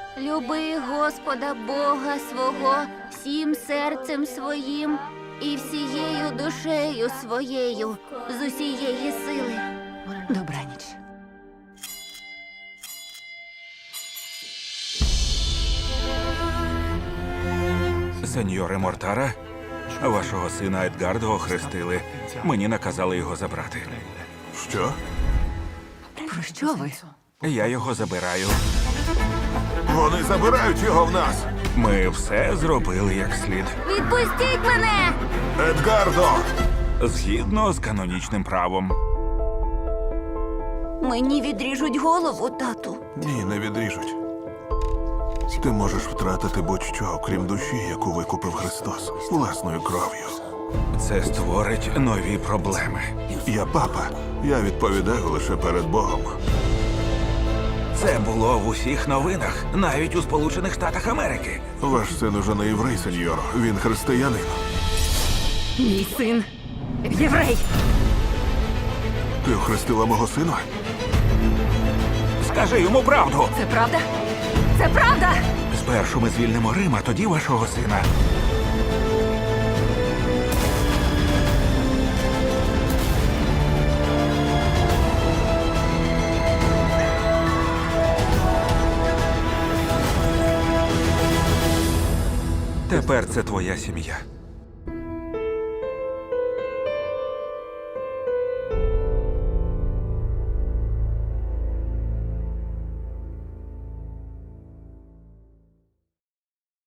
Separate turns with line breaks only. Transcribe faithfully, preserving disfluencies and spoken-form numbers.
Люби Господа Бога свого всім серцем своїм і всією душею своєю з усієї сили.
Добраніч.
Сеньоре Мортара, вашого сина Едгардо охрестили. Мені наказали його забрати.
Що?
Про що ви?
Я його забираю.
Вони забирають його в нас!
Ми все зробили як слід.
Відпустіть мене!
Едгардо!
Згідно з канонічним правом.
Мені відріжуть голову, тату.
Ні, не відріжуть. Ти можеш втратити будь-що, окрім душі, яку викупив Христос власною кров'ю.
Це створить нові проблеми.
Я папа. Я відповідаю лише перед Богом.
Це було в усіх новинах, навіть у Сполучених Штатах Америки.
Ваш син уже не єврей, сеньор. Він християнин.
Мій син єврей.
Ти охрестила мого сина?
Скажи йому правду.
Це правда? Це правда!
Спершу ми звільнимо Рим, а тоді вашого сина. Тепер це твоя сім'я.